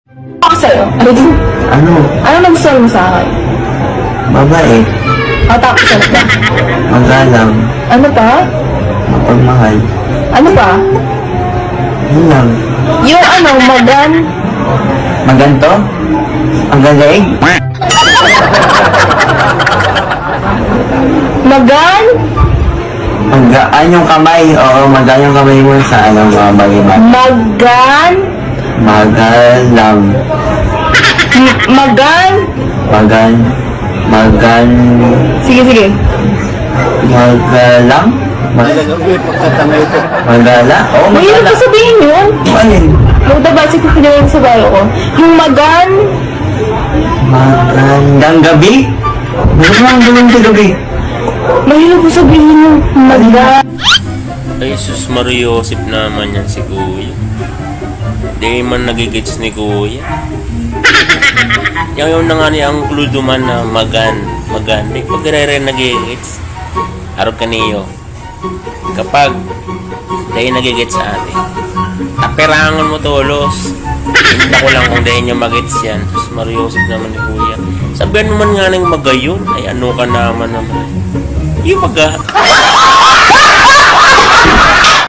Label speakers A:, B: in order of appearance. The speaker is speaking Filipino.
A: Ako sa'yo.
B: Ano?
A: Ano nagustuhan mo sa akin?
B: Babae.
A: O tapos ano pa?
B: Magalang.
A: Ano pa?
B: Mapagmahal.
A: Ano pa?
B: Yun lang.
A: Yung ano, magan?
B: Maganto? Ang galing?
A: Magan?
B: Magaan yung kamay. Oo, magaan yung kamay mo sa ano, mga bagay-bagay.
A: Magan?
B: Magalang.
A: Magan?
B: Magan. Magan.
A: Sige, sige.
B: Magalang? Magala? Oo,
A: Mahirap
B: magala.
A: ko sabihin yun.
B: Alin?
A: Magdabasi ko pinawin sa bayo ko. Yung magan?
B: Magandang gabi? Ano ba ang gawin sa gabi?
A: Mahirap ko sabihin yung magan.
C: Ay, sus Mariosip naman yan si Kuya. Hindi man nagigits ni Kuya. Yung na nga niya ang kluduman na magan. Di pag rin nagigits. Harap kaniyo. Kapag dahil nagigits sa atin. Aperangan mo tolos. Hindi ko lang kung dahil niya magits yan. Sus Mariosip naman ni Kuya. Sabihan mo man nga ng magayon. Ay ano ka naman. Yung maga.